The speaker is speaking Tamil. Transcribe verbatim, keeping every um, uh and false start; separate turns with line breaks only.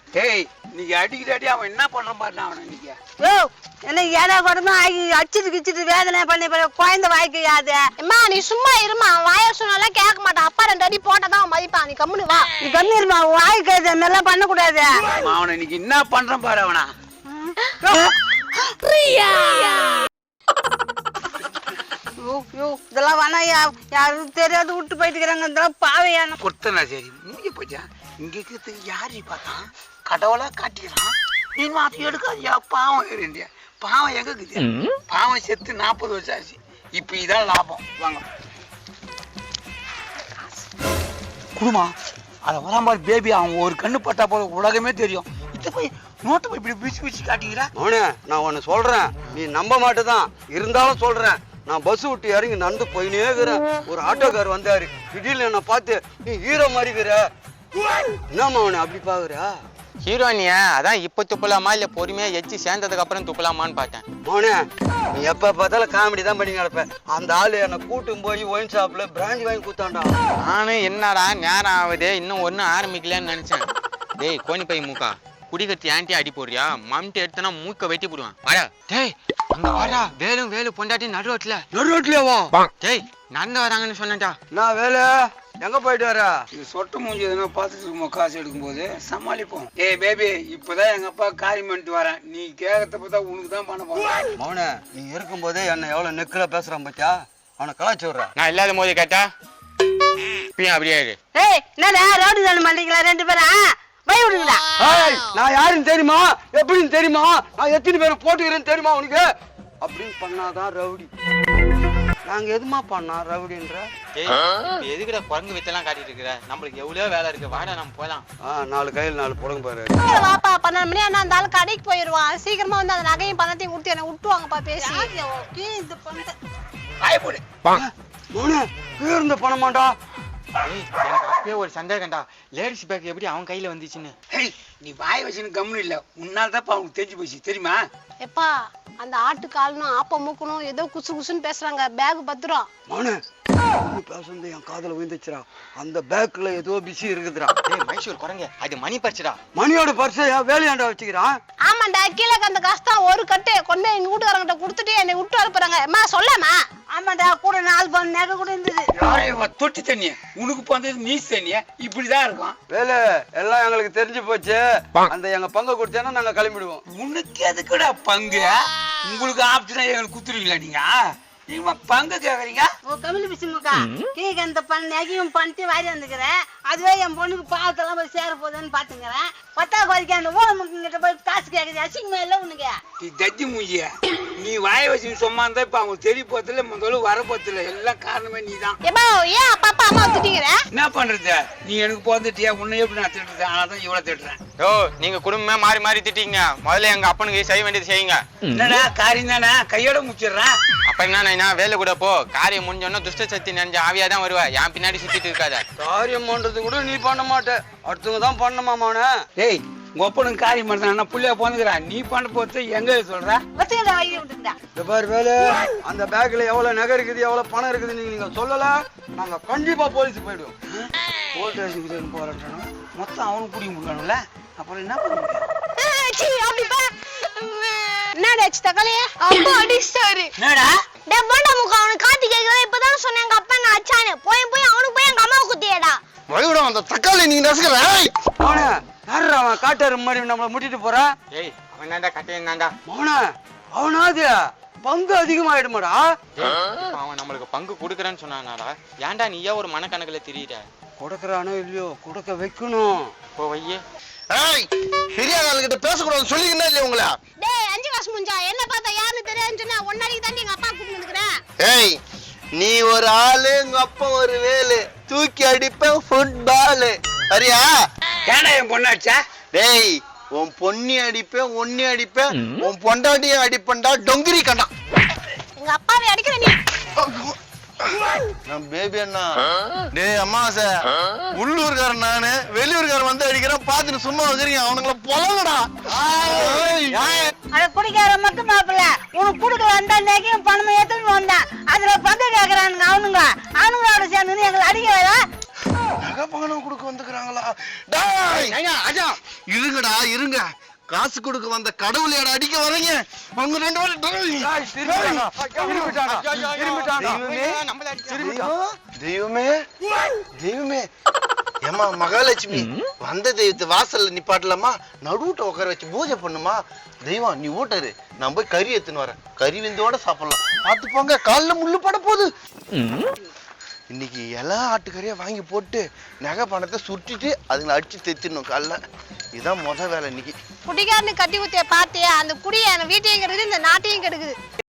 ஏய் நீங்க அடிக்கிற அடி அவன் என்ன பண்றான் பாரு அவனை நீங்க.
யோ என்ன ஏடா கொடுமா அடிச்சிட்டு கிச்சிட்டு வேதனை பண்ணி குழந்தை வாய்க்கு யாது.
அம்மா நீ சும்மா இருமா, வாய சொன்னாலும் கேட்க மாட்டான். அப்பா ரெண்டு அடி போட்டதான் மதிப்பான். நீ கம்முனு வா.
நீ கம்மி இருமா, வாய்க்கு அந்த மாதிரிலாம் பண்ண கூடாது.
அவனை இன்னைக்கு என்ன பண்றான் பாரு அவனா.
இதெல்லாம் வேணா யாரும் தெரியாது விட்டு போயிட்டு இருக்கிறாங்க. இதெல்லாம் பாவையான
கொடுத்தனா சரி முடிஞ்சு போச்சா. இங்க இருக்கிறதுக்கு யாரு பார்த்தா கடவுளா காட்டிக்கிறான். நீ மாத்தி எடுக்காதியா, பாவம் இருந்தியா. பாவம் எங்க இருக்குது? பாவம் செத்து நாற்பது வருஷம் ஆச்சு. இப்ப இதான் லாபம். வாங்க குடுமா அத வரா மாதிரி பேபி. அவன் ஒரு கண்ணு பட்டா போல உலகமே தெரியும். இத போய் நோட்டு போய் இப்படி பிச்சு பிச்சு காட்டிக்கிறா.
அவனே நான் உன்னை சொல்றேன், நீ நம்ப மாட்டேதான், இருந்தாலும் சொல்றேன். நான் பஸ் விட்டு இறங்கி நடந்து போயினே இருக்கிறேன். ஒரு ஆட்டோக்கார் வந்தாரு. திடீர்னு என்ன பார்த்து நீ ஹீரோ மாதிரி இருக்கிற. என்னம்மா அவனை அப்படி பாக்குற?
ஹீரோனியா அதான் இப்ப துப்பலாமா இல்ல பொறுமையா எச்சி சேர்ந்ததுக்கு அப்புறம் துப்பலாமான்னு பார்த்தேன்.
மோனே நீ எப்ப பார்த்தாலும் காமெடி தான் பண்ணி கிடப்ப. அந்த ஆளு என்னை கூட்டும் போய் ஒயின் ஷாப்ல பிராஞ்சி வாங்கி கூத்தாண்டா.
நானும் என்னடா நேரம் ஆகுது இன்னும் ஒன்னும் ஆரம்பிக்கலன்னு நினைச்சேன். டேய் கோணி பை மூக்கா, குடிக்கத்தி ஆண்டி அடி போடுறியா? மம்டி எடுத்தனா மூக்க வெட்டி போடுவான். வாடா டேய், அங்க வாடா. வேலும் வேலு பொண்டாட்டி நடு ரோட்ல.
நடு ரோட்லயா?
டேய் நடந்து வராங்கன்னு சொன்னேன்டா.
நான் வேலை எங்க போயிட்டு வர?
இது சொட்டு மூஞ்சி எதுனா பார்த்துட்டு இருக்கோம். காசு எடுக்கும் போது சமாளிப்போம். ஏய் பேபி, இப்பதான் எங்க அப்பா காரியம் பண்ணிட்டு வரேன். நீ கேட்கறத பார்த்தா உனக்கு தான் பண்ண போறேன்.
மௌனே நீ இருக்கும் போதே என்ன எவ்வளவு நெக்கில பேசுறான் பாத்தியா? அவனை கலாச்சி விடுற.
நான் இல்லாத போது கேட்டா இப்பயும் அப்படியே இரு.
ஏய் என்னடா ரோடு தானே மாட்டீங்களா ரெண்டு பேரா? போய் விடுங்களா?
நான் யாருன்னு தெரியுமா? எப்படின்னு தெரியுமா? நான் எத்தனை பேரை போட்டுக்கிறேன்னு தெரியுமா உனக்கு? அப்படின்னு பண்ணாதான் ரவுடி. நாங்க எதுமா பண்ணா ரவுடின்ற?
எதுக்குடா குரங்கு வித்தெல்லாம் காட்டிட்டு இருக்கிற? நம்மளுக்கு எவ்வளவு வேலை இருக்கு. வாடா நம்ம போலாம்.
ஆஹ் நாலு கையில் நாலு புடங்க பாரு.
வாப்பா பன்னெண்டு மணி ஆனா அந்த ஆளு கடைக்கு போயிருவான். சீக்கிரமா வந்து அந்த நகையும் பணத்தையும் கொடுத்து என்ன விட்டுவாங்கப்பா பேசி.
இந்த பொண்ணு
ஆய போடு.
மௌனே இருந்த பணமாண்டா.
எனக்கு அப்பயே ஒரு சந்தேகம்டா, லேடிஸ் பேக் எப்படி அவன் கையில வந்துச்சுன்னு.
ஏய் நீ வாய் வச்சுன்னு கம்முன்னு இல்ல. உன்னால தான் அவனுக்கு தெரிஞ்சு போச்சு தெரியுமா?
எப்பா அந்த ஆட்டு காலனும் ஆப்ப மூக்கணும் ஏதோ குசு குசுன்னு பேசுறாங்க. பேக் பத்திரம்.
மௌனே பேசுறது என் காதுல விழுந்துச்சுடா. அந்த பேக்ல ஏதோ பிசி இருக்குதுடா.
ஏய் மைசூர் குரங்க, அது மணி பர்சுடா.
மணியோட பர்ஸை வேலையாண்டா வச்சுக்கிறான்.
ஆமாண்டா, கீழே அந்த கஷ்டம் ஒரு கட்டு கொண்டு எங்க வீட்டுக்காரங்கிட்ட கொடுத்துட்டு என்னை விட்டு அனுப்புறாங்க. அம்மா சொல்லாமா?
ஆமாடா, கூட நாலு பவுன் நகை கூட இருந்தது.
தொட்டி தண்ணிய உனக்கு பந்தது நீஸ் தண்ணிய இப்படிதான் இருக்கும்.
வேலை எல்லாம் எங்களுக்கு தெரிஞ்சு போச்சு. அந்த எங்க பங்கு கொடுத்தேன்னா நாங்க கிளம்பிடுவோம்.
உனக்கு எதுக்குடா பங்கு? உங்களுக்கு ஆப்ஷனா எங்களுக்கு குத்துருவீங்களா நீங்க? நீங்க பங்கு கேக்குறீங்க?
ஓ கமிழ் பிசுமுக்கா கேக்கு அந்த பண்ண நகையும் பண்ணிட்டு வாரி வந்துக்கிறேன். அதுவே என் பொண்ணுக்கு பாவத்தெல்லாம் போய் சேர போகுதுன்னு பாத்துக்கிறேன். பத்தா கோரிக்கை அந்த ஊழமுக்கு கிட்ட போய் காசு கேக்குது. அசிங்கமா இல்ல உனக்கு?
நீ தஜ்ஜி மூஞ்சிய நீ வாய வச்சு சும்மா இருந்தா இப்ப அவங்க தெரிய போறதுல முதல்ல வர போறதுல எல்லாம் காரணமே நீதான்.
எப்பா ஏன் அப்பா அப்பா அம்மா திட்டிக்கிற?
என்ன பண்றது? நீ எனக்கு பிறந்துட்டியா? உன்னை எப்படி நான் திட்டுறேன்? ஆனாதான் இவ்வளவு திட்டுறேன்.
ஓ நீங்க குடும்பமே மாறி மாறி திட்டீங்க. முதல்ல எங்க அப்பனுக்கு செய்ய வேண்டியது செய்யுங்க.
என்னடா காரியம் தானே, கையோட முடிச்சிடுறேன்.
அப்ப என்ன வேலை கூட போ. காரியம் முடிஞ்சோன்னா துஷ்ட சக்தி நினைஞ்ச ஆவியாதான் வருவா. என் பின்னாடி சுத்திட்டு இருக்காத.
காரியம் பண்றது கூட நீ பண்ண மாட்ட, அடுத்தவங்க தான் பண்ணமாமான.
ஏய் உங்க ஒப்பனுக்கு காரியம் பண்றான், புள்ளைய போந்துக்கிறான். நீ பண்ண போறது எங்க சொல்ற?
வச்சுக்கிட்ட வாங்கி விட்டுக்கிட்டா.
இந்த பாரு வேலை, அந்த பேக்ல எவ்வளவு நகை இருக்குது எவ்வளவு பணம் இருக்குது நீங்க நீங்க சொல்லல, நாங்க கண்டிப்பா போலீஸ் போயிடுவோம்.
போலீஸ் ஸ்டேஷனுக்கு போறேன் மொத்தம் அவனுக்கு பிடிக்க முடியணும்ல. அப்புறம் என்ன பண்ண முடியும்?
என்னடாச்சு தக்காளியே? அப்பா அடிச்சாரு.
என்னடா
டே போண்டா முக, அவனுக்கு காத்தி கேக்குறா. இப்பதான் சொன்னேன் எங்க அப்பா என்ன அச்சானு. போய் போய் அவனுக்கு போய் எங்க அம்மாவை குத்தியடா.
வழிவிட அந்த தக்காளி நீங்க நசுக்கற. மோனே யாரா அவன் காட்டாரு மாதிரி நம்மள முட்டிட்டு போறான்?
ஏய் அவன் தான்டா கட்டையன் தான்டா.
மோனே அவனாது பங்கு அதிகமாயிடுமாடா.
அவன் நம்மளுக்கு பங்கு கொடுக்குறேன்னு சொன்னானாடா. ஏன்டா நீயா ஒரு மனக்கணக்குல தெரியுற?
கொடுக்கறானோ இல்லையோ கொடுக்க வைக்கணும்.
போ வையே.
ஏய் பெரிய ஆளுகிட்ட பேசக்கூடாதுன்னு சொல்லிக்கிட்டே இல்லையா உங்களை?
டேய் அஞ்சு காசு முஞ்சா என்ன பார்த்தா யாருன்னு தெரியாதுன்னு சொன்னா ஒன்னாடிக்கு தாண்டி எங்க அப்பா கூப்பிட்டு வந்துக்கிறேன்.
ஏய் நீ ஒரு ஆளு, உங்க அப்பா ஒரு வேலு, தூக்கி அடிப்பேன் ஃபுட்பால். சரியா?
ஏன்னா என் பொண்ணாச்சா?
டேய் உன் பொண்ணி அடிப்பேன், ஒன்னி அடிப்பேன், உன் பொண்டாட்டியும் அடிப்பேன்டா டொங்கிரி கண்டா.
எங்க அப்பாவை அடிக்கிற நீ.
நான் பேபி அண்ணா. டேய் அம்மாசே, உள்ளூர்காரன் நானு, வெளியூர்காரன் வந்து அடிக்கிறேன் பாத்துட்டு சும்மா வச்சிருக்கீங்க. அவனுங்கள பொலங்கடா.
அத குடிக்கார மட்டும் மாப்பிள்ள உனக்கு குடுக்க வந்தா நகையும் பணமும் எடுத்துட்டு வந்தான். அதுல பங்கு கேக்குறானுங்க அவனுங்க. அவனுங்களோட சேர்ந்து எங்களை அடிக்க வேற.
நகை பணம் கொடுக்க வந்துக்கிறாங்களா? டேய் இருங்கடா இருங்க, காசு கொடுக்க வந்த கடவுளையாட அடிக்க வரீங்க அவங்க ரெண்டு பேரும். தெய்வமே தெய்வமே ஏமா மகாலட்சுமி, வந்த தெய்வத்தை வாசல்ல நிப்பாட்டலாமா? நடுவுட்ட உட்கார வச்சு பூஜை பண்ணுமா? தெய்வம் நீ ஊட்டாரு, நான் போய் கறி எடுத்துன்னு வரேன், கறி விந்தோட சாப்பிடலாம். பார்த்து போங்க, காலில் முள்ளு பட போகுது. இன்னைக்கு எல்லா ஆட்டுக்கறியா வாங்கி போட்டு நகை பணத்தை சுட்டிட்டு அதுங்களை அடிச்சு தைச்சிடணும் காலைல. இதுதான் முத வேலை இன்னைக்கு.
குடிகாரனு கட்டி குத்திய பாத்தியா? அந்த குடிய வீட்டையும் கெடுக்குது, இந்த நாட்டையும் கெடுக்குது.